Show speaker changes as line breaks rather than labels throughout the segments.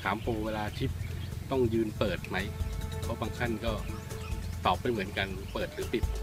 ถามโปรเวลาชิปต้องยืนเปิดไหมเพราะบางท่านก็ตอบไม่เหมือนกันเปิดหรือปิด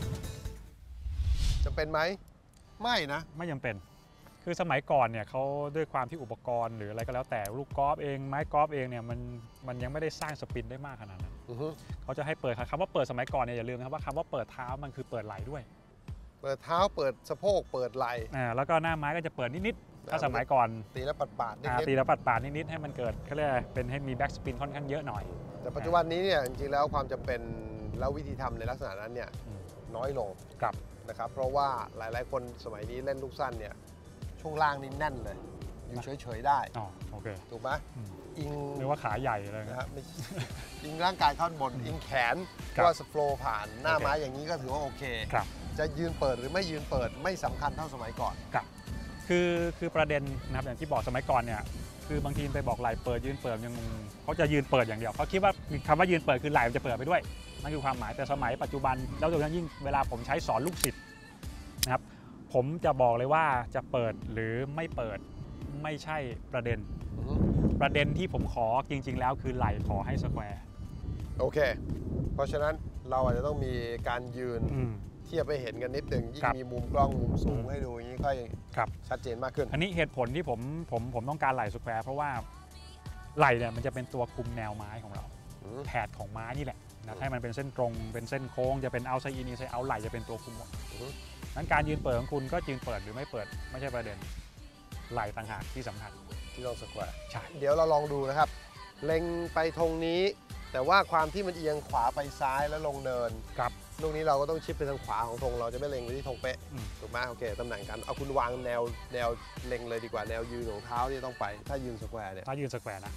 จะเป็นไหมไม่นะ
ไม่จำเป็นคือสมัยก่อนเนี่ยเขาด้วยความที่อุปกรณ์หรืออะไรก็แล้วแต่ลูกกอล์ฟเองไม้กอล์ฟเองเนี่ยมันยังไม่ได้สร้างสปินได้มากขนาดนั้นเขาจะให้เปิดคำว่าเปิดสมัยก่อนเนี่ยอย่าลืมนะครับว่าคำว่าเปิดเท้ามันคือเปิดไหล่ด้วย
เปิดเท้าเปิดสะโพกเปิดไหล่
แล้วก็หน้าไม้ก็จะเปิดนิดๆถ้าสมัยก่อน
ตีแล้วปัดๆนิด
ๆตีแล้วปัดๆนิดๆให้มันเกิดเขาเรียกเป็นให้มีแบ็กสปินค่อนข้างเยอะหน่อย
แต่ปัจจุบันนี้เนี่ยจริงๆแล้วความจำเป็นแล้ววิธีทำในลักษณะนั้นเนี่ยน้อยลงนะครับเพราะว่าหลายๆคนสมัยนี้เล่นลูกสั้นเนี่ยช่วงล่างนี่แน่นเลยอยู่เฉยๆได้
โอเค
ถูกไหมอิง
หรือว่าขาใหญ่เลย
นะครับอิงร่างกายข้างบนอิงแขนว่าสโฟล์ผ่านหน้าไม้อย่างนี้ก็ถือว่าโอเคจะยืนเปิดหรือไม่ยืนเปิดไม่สำคัญเท่าสมัยก่อน
คือประเด็นนะครับอย่างที่บอกสมัยก่อนเนี่ยคือบางทีไปบอกไหล่เปิดยืนเปิดยังเขาจะยืนเปิดอย่างเดียวเขาคิดว่าคำว่ายืนเปิดคือไหล่มันจะเปิดไปด้วยนั่นคือความหมายแต่สมัยปัจจุบันแล้วโดยเฉพาะยิ่งเวลาผมใช้สอนลูกศิษย์นะครับผมจะบอกเลยว่าจะเปิดหรือไม่เปิดไม่ใช่ประเด็นที่ผมขอจริงๆแล้วคือไหล่ขอให้สแควร์
โอเคเพราะฉะนั้นเราอาจจะต้องมีการยืนเทียบไปเห็นกันนิดหนึ่งยิ่งมีมุมกล้องมุมสูงให้ดูอย่างนี้ค่อยชัดเจนมากขึ้น
อันนี้เหตุผลที่ผมต้องการไหล่สแควร์เพราะว่าไหล่เนี่ยมันจะเป็นตัวคุมแนวไม้ของเราแผดของไม้นี่แหละนะให้มันเป็นเส้นตรงเป็นเส้นโค้งจะเป็นเอาไซอินไซเอาไหล่จะเป็นตัวคุมหมดนั้นการยืนเปิดของคุณก็ยืนเปิดหรือไม่เปิดไม่ใช่ประเด็นไหล่ต่างหากที่สำคัญ
ที่ต้องสแควร์
ใช่
เดี๋ยวเราลองดูนะครับเล็งไปธงนี้แต่ว่าความที่มันเอียงขวาไปซ้ายแล้วลงเนิน
ครับ
ลูกนี้เราก็ต้องชิปไปทางขวาของธงเราจะไม่เล็งไปที่ธงเป๊ะถูกไหมโอเคตำแหน่งกันเอาคุณวางแนวเล็งเลยดีกว่าแนวยืนของเท้าที่ต้องไปถ้ายืนสแควร์เนี่ย
ถ้ายืนสแควร์นะ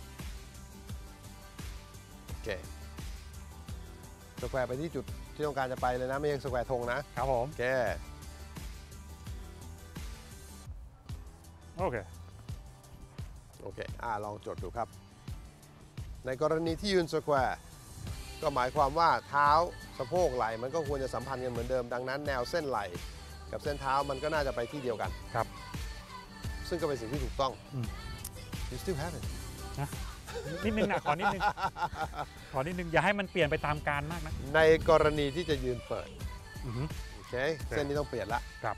โอเคสแควร์ไปที่จุดที่ต้องการจะไปเลยนะไม่ใช่สแควร์ธงนะครับ
ผม
โอเคลองจดดูครับในกรณีที่ยืนสแควร์ก็หมายความว่าเท้าสะโพกไหล่มันก็ควรจะสัมพันธ์กันเหมือนเดิมดังนั้นแนวเส้นไหล่กับเส้นเท้ามันก็น่าจะไปที่เดียวกัน
ครับ
ซึ่งก็เป็นสิ่งที่ถูกต้อง You still have it
นะนิดนึงนะขอนิดนึงอย่าให้มันเปลี่ยนไปตามกาลมากนะ
ในกรณีที่จะยืนเปิดโอเคเส้นนี้ต้องเปลี่ยนละ
ครับ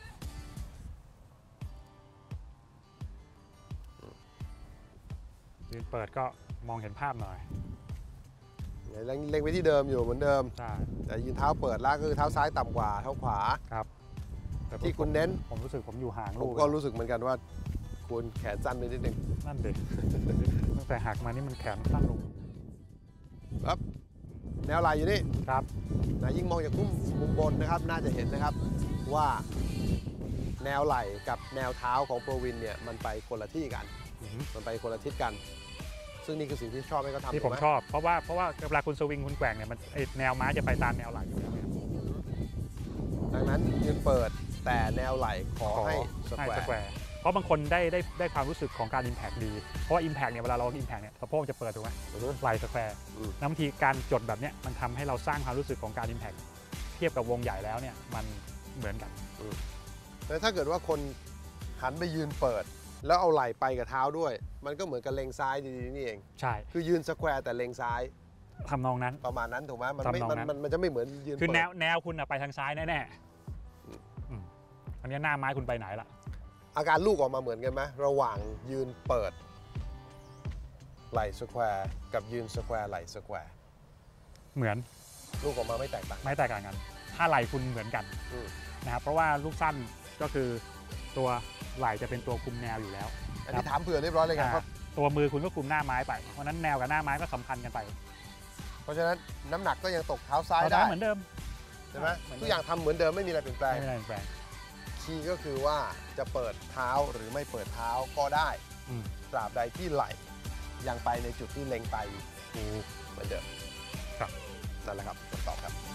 ยืนเปิดก็มองเห็นภาพหน่อย
เล็งไปที่เดิมอยู่เหมือนเดิมแต่ยืนเท้าเปิดแล้วก็คือเท้าซ้ายต่ำกว่าเท้าขวา
ครับ
ที่คุณเน้น
ผมรู้สึกผมอยู่ห่าง
ลูกก็รู้สึกเหมือนกันว่าคุณแขนสั้นไปนิดนึง
นั่นเด็กตั้งแต่หักมานี่มันแขนสั้นลง
ครับแนวไหล่อยู่นี่
ครับ
นะยิ่งมองจากมุมบนนะครับน่าจะเห็นนะครับว่าแนวไหล่กับแนวเท้าของโปรวินเนี่ยมันไปคนละที่กันมันไปคนละทิศกันซึ่งนี่คือสิ่งที่ชอบให้เขาทำ
ที่ผมชอบเพราะว่าเวลาคุณสวิงคุณแกว่งเนี่ยมันแนวไม้จะไปตามแนวไหล่อยู่แล้ว
ดังนั้นยืนเปิดแต่แนวไหล่ขอให้สแควร์
เพราะบางคนได้ความรู้สึกของการ Impact ดีเพราะว่า Impact เนี่ยเวลาเรา Impact เนี่ยสะโพกจะเปิดถูกไหมไหล่สแควร์บางทีการจดแบบเนี้ยมันทำให้เราสร้างความรู้สึกของการ Impact เทียบกับวงใหญ่แล้วเนี่ยมันเหมือนกัน
แต่ถ้าเกิดว่าคนหันไปยืนเปิดแล้วเอาไหล่ไปกับเท้าด้วยมันก็เหมือนกับเล็งซ้ายดีๆนี่เอง
ใช่
คือยืนสแควร์แต่เล็งซ้าย
ทำนองนั้น
ประมาณนั้นถูกไหมมันจะไม่เหมือนยืน
คือแนวคุณไปทางซ้ายแน่ๆอันนี้หน้าไม้คุณไปไหนล่ะ
อาการลูกออกมาเหมือนกันไหมระหว่างยืนเปิดไหล่สแควร์กับยืนสแควร์ไหล่สแควร์
เหมือน
ลูกออกมาไม่แตกต่าง
กันถ้าไหล่คุณเหมือนกันนะครับเพราะว่าลูกสั้นก็คือตัวไหล่จะเป็นตัวคุมแนวอยู่แล้ว
อันนี้ถามเผื่อเรียบร้อยเลยครับ
ตัวมือคุณก็คุมหน้าไม้ไปเพราะนั้นแนวกับหน้าไม้ก็สัมพันธ์กันไป
เพราะฉะนั้นน้ำหนักก็ยังตกเท้าซ้ายได้
เหมือนเดิม
ใช่ไหมทุกอย่างทำเหมือนเดิมไม่มีอะไรเปลี่ยนแปลงคีย์ก็คือว่าจะเปิดเท้าหรือไม่เปิดเท้าก็ได้ตราบใดที่ไหล่ยังไปในจุดที่เล็งไปเหมือนเดิม
ครับ
นั่นแหละครับคำตอบครับ